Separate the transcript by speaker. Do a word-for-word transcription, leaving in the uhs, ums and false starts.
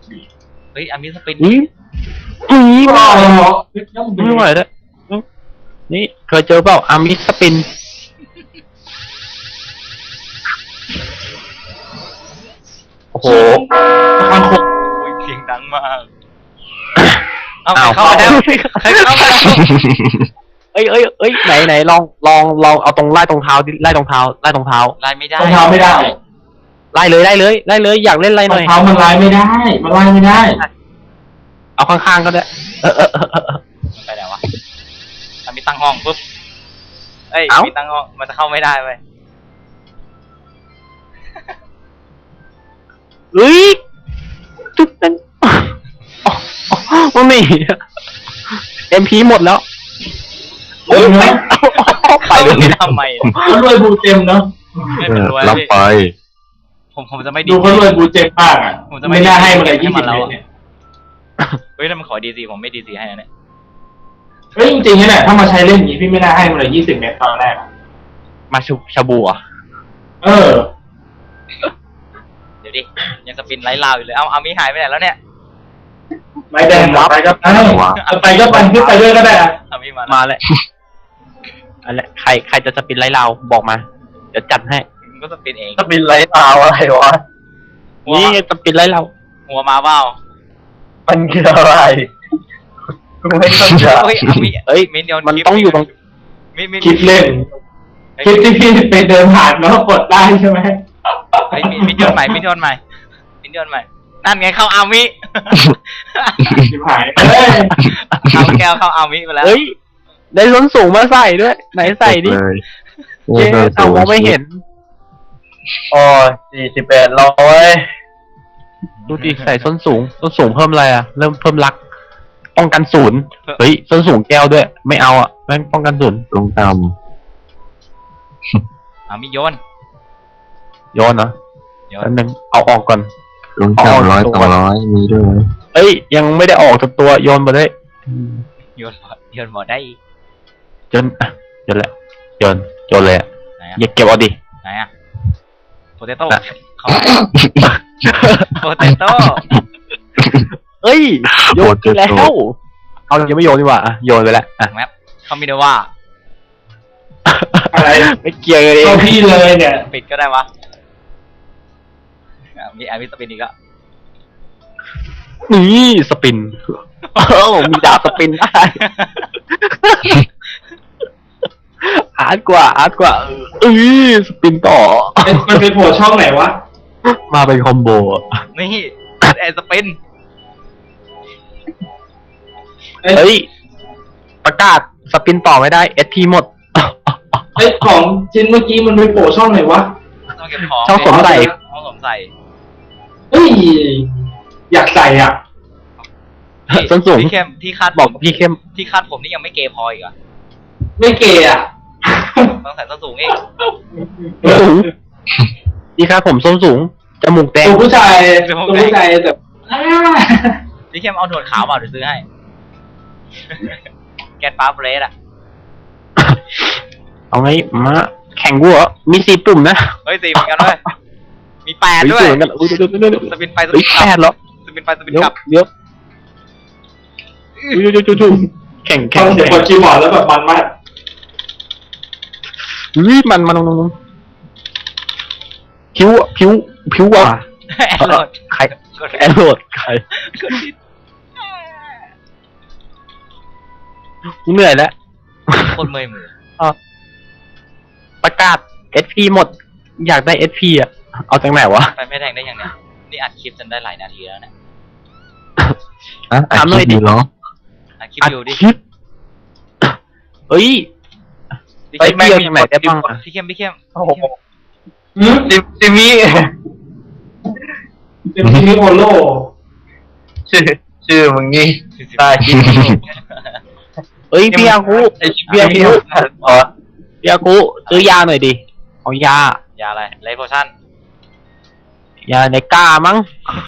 Speaker 1: เฮ้ยอามิสปิน
Speaker 2: อุ้ยอุ้ย
Speaker 3: อ๋
Speaker 2: ไม่
Speaker 3: อ
Speaker 2: ไหวไม่ไหวแล้วนี่เคยเจอเปล่าอามิสปินโอ้โห
Speaker 3: มันคง
Speaker 1: โอ้ยเสียงดังมากเอาเข้ามาแล้วใครเข้ามาแล้ว
Speaker 2: เอ้ยเอ้ยเอ้ยไหนไหนลองลองลองเอาตรงไล่ตรงเท้าดิไล่ตรงเท้าไล่ตรงเท้า
Speaker 1: ไล่ไม่ได้
Speaker 3: รองเท้าไม่ได้
Speaker 2: ไล่เลยไล่เลยไล่เลยอยากเล่นไล่ห
Speaker 3: รอ
Speaker 2: น่อง ย
Speaker 3: เท้ามันไล่ไม่ได้ มันไล่ไม่ได้
Speaker 2: เอาข้างๆก็ได้เออเออเออเออ
Speaker 1: มันไปไหนวะอามิตั้งห้องปุ๊บเอ้ย
Speaker 2: เอ้า
Speaker 1: มีตั้งห้องมันจะเข้าไม่ได้เว้ย
Speaker 2: เฮ้ยจุดนั้นมันไม่เอ็มพีหมดแล้ว
Speaker 3: เฮ้ยนะ
Speaker 2: ไปเลย
Speaker 1: ทำไมเนี่ย
Speaker 3: เขารวยบูเต็มเนาะ
Speaker 1: ไม่เป็นรวย
Speaker 4: รับ
Speaker 1: พี่
Speaker 4: ไป
Speaker 1: ผมผมจะไม่ดี
Speaker 3: ดูเขารวยบูเต็มมากอ่ะ
Speaker 1: ผมจะไม่
Speaker 3: ไม่น่าให้มันเลย
Speaker 1: ให้
Speaker 3: ยี่
Speaker 1: มั
Speaker 3: สิบ
Speaker 1: นแล้ว
Speaker 3: เม
Speaker 1: อะ
Speaker 3: ตรเนี่ย
Speaker 1: เฮ้ยถ้ามันขอดีซีผมไม่ดีซีให้นะเนี่ย
Speaker 3: เฮ้ยจริงๆเนี่ยถ้ามาใช้เล่นอย่างนี้พี่ไม่น่าให้มันเลยยี่สิบเมตรตอนแรกอะ
Speaker 2: มาชูชาบูอ่ะ
Speaker 3: เออ
Speaker 1: เดี๋ยวดิยังสปินไล่ลาวอยู่เลยเอาอามิหายไปไหนแล้วเนี่ย
Speaker 3: ไม่แดงไปก็ไปไปก็ไปขึ้นไปด้วยก็ได้อะ
Speaker 1: อามิมา
Speaker 2: มา
Speaker 1: แล้ว
Speaker 2: แล้วอะไรใครใครจะสปินไล่เราบอกมาเดี๋ยวจัดให้
Speaker 1: มันก็สปินเอง
Speaker 4: จะบินไรตาวอะไรวะ
Speaker 1: หัว
Speaker 2: นี่สปินไล่เรา
Speaker 1: หัวมาเปล่า
Speaker 4: มันคืออะไรกูไม่เข้าใจ
Speaker 1: เฮ้ยอามิ
Speaker 2: เอ้ย
Speaker 1: มินเดียว
Speaker 2: มันต้องอยู่ตรง
Speaker 1: มินมิน
Speaker 3: คิดเล่นคลิปที่พี่ไปเดินผ่านแล้วกดได้ใช่ไหม
Speaker 1: เฮ้ยมินมินโยนใหม่มินโยนใหม่มินโยนใหม่นั่นไงเข้าอามิ
Speaker 3: ชิบหายเอ้ย
Speaker 1: เอาแก้วเข้าอามิไปแล้ว
Speaker 2: เฮ้ยได้ส้นสูงมาใส่ด้วย ไหนใส่ดิ
Speaker 4: เลยโอ้
Speaker 2: เจ๊
Speaker 4: โห
Speaker 2: เอามองไม่เห็น
Speaker 4: โอ้ยสี่สิบแปดร้อย
Speaker 2: ดูดิใส่ส้นสูงส้นสูงเพิ่มอะไรอ่ะเริ่มเพิ่มรัก ป้องกันศูนย์เฮ้ยส้นสูงแก้วด้วย ไม่เอาอ่ะแม่งป้องกันศูนย์
Speaker 4: ลงต่
Speaker 1: อามิโยน
Speaker 2: โยนเนาะ
Speaker 1: โยน
Speaker 2: แป๊บนึงเอาออกก่อน
Speaker 4: ำลงต่ำร้อยสองร้อยมีด้วยไหม
Speaker 2: เอ้ยยังไม่ได้ออกจากตัวโยนมาได้
Speaker 1: โยนหมดโยนหมดได้อีก
Speaker 2: โยนอ่ะโยนแหละโยนโยนเลยอ่ะ
Speaker 1: ไหนอะ
Speaker 2: อย่าเก็บเอาดิ
Speaker 1: ไหนอะโปเตโต้
Speaker 2: น่ะ
Speaker 1: เขาโปเตโต้
Speaker 2: เอ้ยโยนไปแล้วเอายังไม่โยนดีกว่าอ่ะโยนไปแล้วอ่ะ
Speaker 1: แมปเขามีด้วยว่า
Speaker 3: อะไร
Speaker 2: ไม่เกี่ยวเลย
Speaker 3: เข้าพี่เลยเนี่ย
Speaker 1: ปิดก็ได้วะอ่ะมีอามิสปินอีกแล้ว
Speaker 2: นี่สปินเอ้ามีดาวสปินได้อาร์ตกว่าอาร์ตกว่าเอ้ยสปินต่อ
Speaker 3: มันไปโผล่ช่องไหนวะ
Speaker 2: มาเป็นคอมโบอ่ะ
Speaker 1: นี่แอร์สปิน
Speaker 3: เอ้ย
Speaker 2: เฮ้ยประกาศสปินต่อไม่ได้เอสพีหมด
Speaker 3: ไอ้ของชิ้นเมื่อกี้มันไปโผล่ช่องไหนวะ
Speaker 1: ต้องเก็บของ
Speaker 2: ช่องสวมใส่
Speaker 1: ช่องสวมใส่
Speaker 3: เฮ้ยอยากใส่อ่ะ
Speaker 2: ส้นสูง
Speaker 1: ที่เข้มที่คาด
Speaker 2: บอก
Speaker 1: ผม
Speaker 2: พี่เข้ม
Speaker 1: ที่คาดผมนี่ยังไม่เกย์พออีกเหรอ่ะ
Speaker 3: ไม่เกย์อ่ะ
Speaker 1: ต้องใส่ส้นสูงอีก
Speaker 2: ส้นสูงนี่ครับผมส้นสูงจมูกแดง
Speaker 3: ตัวผู้ชายตัวผู้ชายแบบอ้า
Speaker 1: ที่เข้มเอาหนวดขาวเปล่าเดี๋ยวซื้อให้ แกนฟ้าเบรดอ่ะ
Speaker 2: เอาไงมาแข่งวัวมีสี่ปุ่มนะ
Speaker 1: เฮ้ยสี่เหมือนกันด้วยมีแปด
Speaker 2: เฮ้
Speaker 1: ด้วย
Speaker 2: สเหมือนกันอุ้ยเดี๋ยวเดี๋ยวเดี๋ยว
Speaker 1: สปินไปส
Speaker 2: เฮ้
Speaker 1: ปิ
Speaker 2: ย
Speaker 1: นก
Speaker 2: แป
Speaker 1: ลั
Speaker 2: ด
Speaker 1: บ
Speaker 2: แล้ว
Speaker 1: สปินไปสปิน
Speaker 2: เดี๋ยว
Speaker 1: กลับ
Speaker 2: เดี๋ยวอุ้ยเดี๋ยวเดี๋ยวเดี๋ยวแข่ง
Speaker 3: ฟั
Speaker 2: แข่
Speaker 3: ง
Speaker 2: ง
Speaker 3: เสียงกดคีย์บอร์ดแล้วแบบมันมาก
Speaker 2: อุ้ยมันมันมันมันผิวอะผิวผิวว่ะ
Speaker 1: แอนโหลด
Speaker 2: ใคร
Speaker 1: กด
Speaker 2: แอนโหลดใคร
Speaker 1: กดผิด
Speaker 2: กูเหนื่อยแล้ว
Speaker 1: คนเมอยมือ
Speaker 2: ประกาศ เอส พี หมด อยากได้ เอส พี อ่ะ เอาจากไหนวะ
Speaker 1: ไปไม่แทงได้ยังเนี่ยนี่อัดคลิปจนได้หลายนาทีแล้วเนี่ย
Speaker 4: อ่ะอัด
Speaker 2: ถามหน่
Speaker 4: ค
Speaker 2: อ
Speaker 4: ลิ
Speaker 2: ย
Speaker 4: ป
Speaker 2: ดิ
Speaker 4: ดีเหรอ
Speaker 1: อัดคลิป
Speaker 2: อัด
Speaker 1: อยู่ดิ
Speaker 2: คลิปเฮ้ย
Speaker 1: พี่
Speaker 2: ไป
Speaker 1: เข้ม
Speaker 2: เที่ยวจากไหนได้บ้างอะ
Speaker 1: พี่เข้มพี่เข้ม
Speaker 4: โอ้โห
Speaker 3: หืม
Speaker 4: จิจิมี่
Speaker 3: เป็นมินิโอโล
Speaker 4: ชื่อชื่อมึงนี่
Speaker 1: 40
Speaker 4: ตาคิด
Speaker 2: เฮ้ยพี่อาคุ
Speaker 4: ไอ้เบี้ยนี่อ๋อ
Speaker 2: พี่อาคุซื้อยาหน่อยดิ เอายา
Speaker 1: ยาอะไรไลโพชั่น
Speaker 2: ยาในกล้ามั้ง